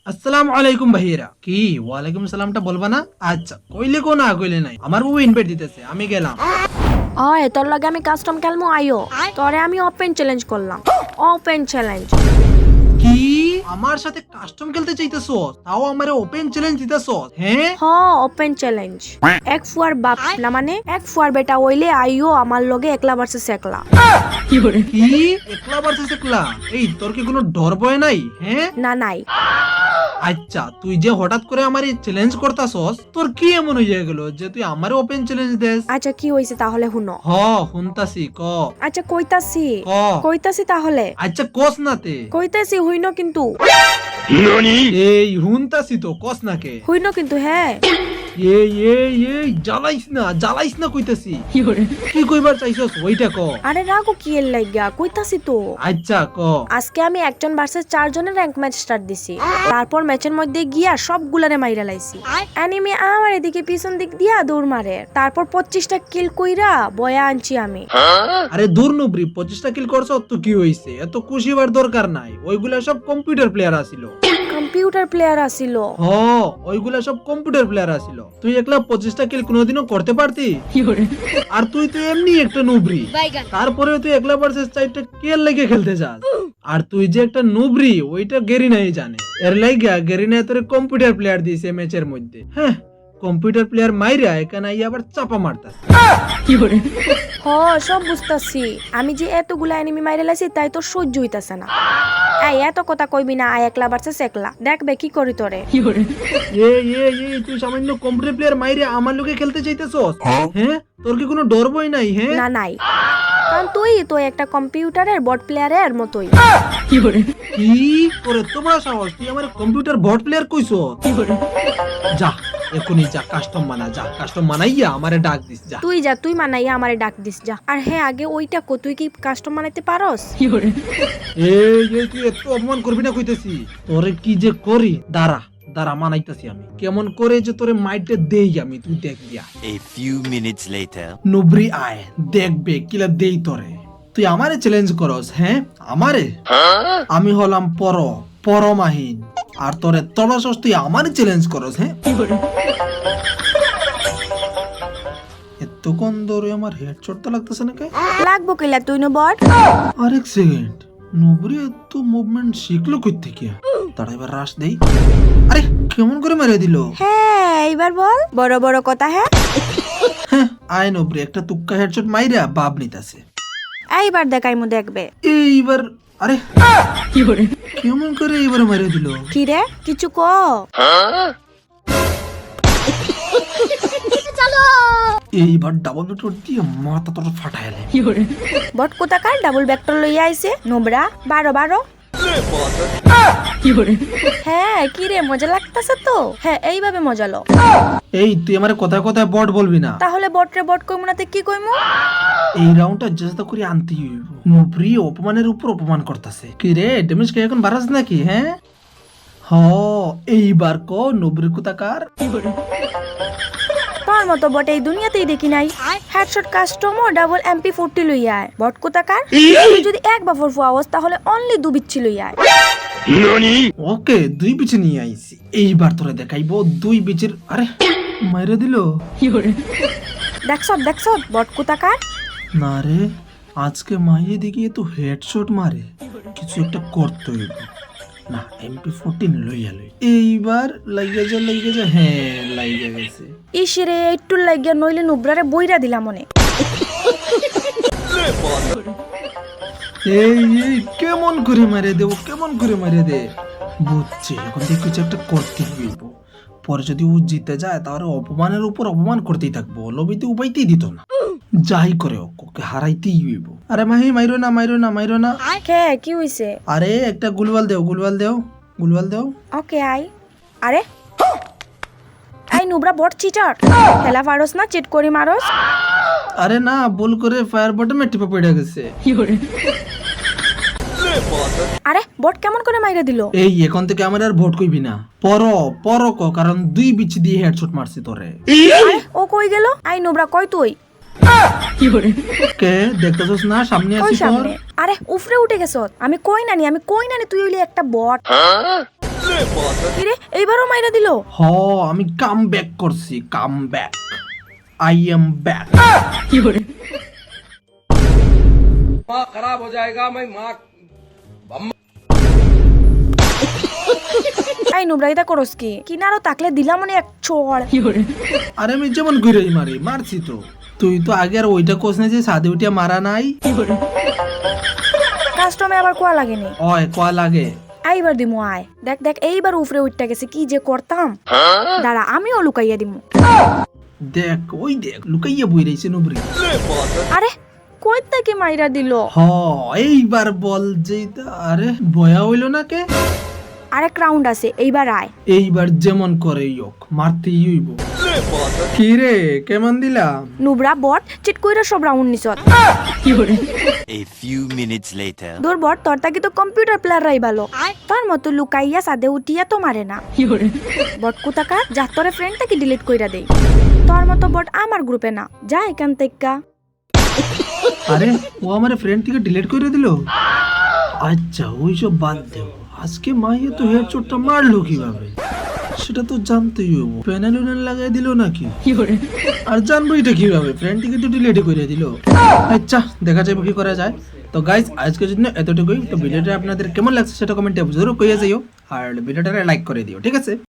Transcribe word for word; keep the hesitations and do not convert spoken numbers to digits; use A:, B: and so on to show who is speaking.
A: আসসালামু আলাইকুম ভাইয়েরা। কি ওয়ালাইকুম সালামটা বলবা না? আচ্ছা কইলে কো না কইলে নাই, আমার বউ ইনভাইট দিতেছে, আমি গেলাম।
B: ওই তোর লগে আমি কাস্টম খেলমু আইও তোরে আমি ওপেন চ্যালেঞ্জ করলাম ওপেন চ্যালেঞ্জ
A: কি আমার সাথে কাস্টম খেলতে চাইতেছো? তাও আমারে ওপেন চ্যালেঞ্জ দিতেছো? হ্যাঁ
B: হ ওপেন চ্যালেঞ্জ এক ফুয়ার বাপ না মানে এক ফুয়ার বেটা হইলে আইও আমার লগে একলা ভার্সেস একলা
A: কি একলা ভার্সেস একলা? এই তোর কি কোনো ডর ভয় নাই? হ্যাঁ
B: না নাই
A: আচ্ছা তুই যে হঠাৎ করে আমারে চ্যালেঞ্জ করতাছস, তোর কি এমন হইয়া গেল যে তুই আমারে ওপেন চ্যালেঞ্জ দেস?
B: আচ্ছা কি হইছে তাহলে হুনো
A: হ হুনতাছি, ক
B: আচ্ছা কইতাছি
A: ক
B: কইতাছি তাহলে
A: আচ্ছা কস নাতে
B: কইতাছি হইনো কিন্তু
A: এই হুনতাছি তো, কস নাকে?
B: হইনো কিন্তু হ্যাঁ
A: এই এই এই জ্বালাইস না জ্বালাইস না কইতাছি। কি কইবার চাইছস ওইটা ক।
B: আরে রাগো কি এর লাগা কইতাছি তো।
A: আচ্ছা ক।
B: আজকে আমি একজন ভার্সেস চারজনের র‍্যাঙ্ক ম্যাচ স্টার্ট দিছি, তারপর ম্যাচের মধ্যে গিয়া সবগুলারে মাইরা লাইছি। এনিমি আমার এদিকে পিছন দিক দিয়া দৌড় মারে, তারপর পঁচিশটা কিল কইরা বয়া আনছি আমি।
A: আরে দূর নুবরি, পঁচিশটা কিল করছো তো কি হইছে? এত খুশি হবার দরকার নাই, ওইগুলা সব কম্পিউটার প্লেয়ার আছিল।
B: কম্পিউটার প্লেয়ার আছিল?
A: হ ওইগুলা সব কম্পিউটার প্লেয়ার আছিল। তুই একলা পঁচিশটা কিল কোনোদিনও করতে পারতি? আর তুই তো এমনি একটা নুবরি, তারপরে তুই একলা ভার্সেস চারটা কিল লেগে খেলতে যাস। আর তুই যে একটা নুবরি ওইটা গেরিনাই জানে, এর লাইগা গেরিনা তোর কম্পিউটার প্লেয়ার দিয়েছে ম্যাচের মধ্যে। হ্যাঁ কম্পিউটার প্লেয়ার মাইরা এখানে আইয়া আবার চাপা মারতাস।
B: হ সব বুঝতাছি, আমি যে এতগুলা এনিমি মাইরা লাইছি তাই তো সহ্য হইতাছে না। এই এত কথা কইবি না, আই একলা ভার্সেস একলা দেখবে কি করি তোরে।
A: এই এই এই তুই সামান্য কম্পিউটার প্লেয়ার মাইরে আমার লোকে খেলতে চাইতেছস? হ্যাঁ তোর কি কোনো ডর ভয় নাই? হ্যাঁ
B: না নাই, কারণ তুই তো একটা কম্পিউটারের বট প্লেয়ারের মতোই।
A: কি করে তোমার সাহস, তুই আমার কম্পিউটার বট প্লেয়ার কইছো? যা এখনই যা কাস্টম মানা, যা কাস্টম মানাইয়া আমারে ডাক দিস যা।
B: তুই যা, তুই মানাইয়া আমারে ডাক দিস যা। আর হ্যাঁ আগে ওইটা কো, তুই কি কাস্টম বানাইতে পারোস?
A: এই এই তুই এত অপমান করবি না কইতেছি, তোরে কি যে করি দাঁড়া দাঁড়া মানাইতাছি আমি কেমন করে যে তোরে মাইটে দেই আমি, তুই দেখবি।
C: A few minutes later.
A: নুবরি আয় দেখবে কিলা দেই তোরে। তুই আমারে চ্যালেঞ্জ করস? হ্যাঁ আমারে? আমি হলাম পর পরমাহীন, আর তোরে তলসস তুই আমারে চ্যালেঞ্জ করস? হ্যাঁ এতক্ষণ ধরে আমার হেডশট তো লাগতেছে না কে?
B: লাগবো কিলা তুই নো বট।
A: আরেক সেকেন্ড, নুবরি এত মুভমেন্ট শিখলো কই থেকে? তাড়া এবার রাশ দেই। আরে কেমন করে মেরে দিল?
B: হ্যাঁ এইবার বল বড় বড় কথা। হ্যাঁ
A: হ্যাঁ আয় নুবরি একটা তুক্কা হেডশট মাইরা বাপ নিতাছে।
B: এইবার দেখাইমু দেখবে।
A: এইবার আরে কি করে কেমন করে এইবার মেরে দিল?
B: কি রে কিছু কো।
A: এইবার ডাবল ভেক্টর দিয়ে মাথা তোর ফাটাইলে।
B: বট কোথাকার ডাবল ভেক্টর লইয়া আইছে নোবরা বারো বারো। হ্যাঁ কি রে মজা লাগতাছে তো? হ্যাঁ এইভাবে মজা লো।
A: এই তুই আমারে কথায় কথায় বট বলবি না।
B: তাহলে বট রে বট কইমু না তে কি কইমু?
A: এই রাউন্ডটা চেষ্টা করি আনতে হইব। নুবরি অপমানের উপর অপমান করতেছে। কি রে ড্যামেজ কে এখন বাড়াস নাকি? হ্যাঁ হ এইবার ক নুবরি কোথাকার।
B: তোর মতো বট এই দুনিয়াতেই দেখি নাই। হেডশট কাস্টম ও ডাবল এমপি ফোরটি লইয়া আয়। বট কোথাকার তুই যদি এক বাফর ফুয়াওস তাহলে অনলি দু বিচ্ছি লইয়া আয়।
A: ওকে দুই বিচে নিয়ে আইছি, এইবার তোরে দেখাইবো দুই বিচের। আরে মাইরে দিল।
B: দেখছ দেখছ বট কোথাকার।
A: না রে আজকে মাইয়ে দিকে তো হেডশট মারে, কিছু একটা করতে হইব। না এমপি ফোরটিন লইয়া লই, এইবার লাইগা যা লাইগা যা। হ্যাঁ লাইগা গেছে।
B: ইসরে একটু লাগিয়া নইলে নুবরারে বইরা দিলাম মনে।
A: এই এই কেমন করে মারে দেব, কেমন করে মারে দে। বুঝছি এখন থেকে কিছু একটা করতে হইব। পরে যদি ও জিতে যায় তাহলে অপমানের উপর অপমান করতেই থাকবো, লবিতে উপাইতেই দিত না। যাই করে ওকে হারাইতেই হইব। আরে মাহি মাইরো না মাইরো না মাইরো না।
B: কে কি হইছে?
A: আরে একটা গুলওয়াল দেও গুলওয়াল দেও গুলওয়াল দেও।
B: ওকে আই। আরে আই নুবরা বট চিটার, খেলা পারোস না চিট করি মারোস?
A: আরে না ভুল করে ফায়ার বটমে টিপে পড়ে গেছে।
B: আরে বট কেমন করে মাইরা দিল?
A: এই এখন থেকে আমার আর ভোট কইবি না, পর পর ক, কারণ দুই বিচি দিয়ে হেডশট মারছি তোরে।
B: আরে ও কই গেল? আই নুবরা কই তুই?
A: কে দেখতেছস না সামনে
B: কই
A: আছি তোর।
B: সামনে? আরে উফরে উঠে গেছ। আমি কই নানি আমি কই নানি তুই হইলি একটা বট। কিরে এইবারও মাইরা দিল।
A: হ আমি কাম ব্যাক করছি, come back, I am back.
B: আই নুবরাইতা করস কি কিনারও তাকলে দিলাম মনে এক চড়।
A: আরে আমি যেমন ঘুরে মারি মারছি তো, তুই তো আগে আর ওইটা কোস না যে সাদে উঠিয়া মারা নাই।
B: কাস্টমে আবার কোয়া লাগেনি।
A: ওই কয় লাগে।
B: এইবার দিমু আয়, দেখ দেখ এইবার উপরে উঠটা গেছে, কি যে করতাম। দাঁড়া আমিও লুকাইয়া দিমু।
A: দেখ ওই দেখ লুকাইয়া বই রইছে নুবরি।
B: আরে কই থেকে মাইরা দিল।
A: হ এইবার বল যেটা। আরে বয়া হইল না কে?
B: আরেক রাউন্ড আছে, এইবার আয়।
A: এইবার যেমন করে ইয়োক মারতেই হইব। কি রে কেমন দিলাম?
B: নুবরা বট চিট কইরা সব রাউন্ড নিছত।
C: A few minutes later.
B: দূর বট তোর তাকি তো কম্পিউটার প্লেয়ার রাই ভালো, তার মতো লুকাইয়া সাদে উঠিয়া তো মারে না। বট কুতাকা যা তোরে ফ্রেন্ড তাকে ডিলিট কইরা দেই। তোর মতো বট আমার গ্রুপে না, যা এখান থেকে।
A: আরে ও আমার ফ্রেন্ড থেকে ডিলিট করে দিল। আচ্ছা ওইসব বাদ দেও, আজকে মাইয়া তো হেডশটটা মারলো কিভাবে সেটা তো জানতেই হবো। প্যানেল উনাল লাগাই দিল নাকি? আর জানবো এটা কিভাবে, ফ্রেন্ড থেকে তো ডিলিট করে দিল। আচ্ছা দেখা যাবে কি করা যায়। তো গাইস আজকের জন্য এতটুকুই। তো ভিডিওটা আপনাদের কেমন লাগছে সেটা কমেন্টে জরুর কইয়া যাইও, আর ভিডিওটা লাইক করে দিও, ঠিক আছে?